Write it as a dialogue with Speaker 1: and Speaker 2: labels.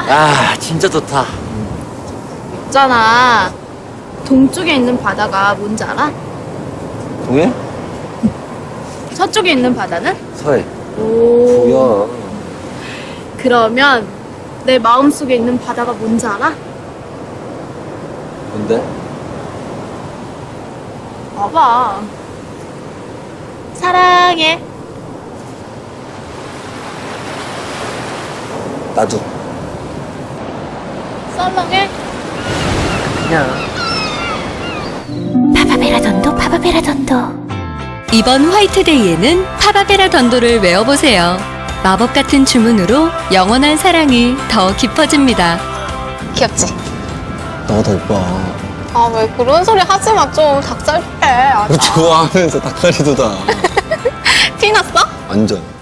Speaker 1: 아, 진짜 좋다.
Speaker 2: 있잖아. 동쪽에 있는 바다가 뭔지 알아?
Speaker 1: 동해?
Speaker 2: 서쪽에 있는 바다는?
Speaker 1: 서해.
Speaker 2: 오.
Speaker 1: 뭐야?
Speaker 2: 그러면 내 마음속에 있는 바다가 뭔지 알아?
Speaker 1: 뭔데?
Speaker 2: 봐봐. 사랑해.
Speaker 1: 나도.
Speaker 2: 썰렁해.
Speaker 1: 그냥.
Speaker 3: 파바베라던도 파바베라던도.
Speaker 4: 이번 화이트데이에는 파바베라던도를 외워보세요. 마법 같은 주문으로 영원한 사랑이 더 깊어집니다.
Speaker 5: 귀엽지?
Speaker 1: 너가 더 예뻐.
Speaker 5: 아, 왜 그런 소리 하지 마, 좀. 닭살 해. 아,
Speaker 1: 좋아하면서 닭다리 돋아.
Speaker 5: 피 났어?
Speaker 1: 완전.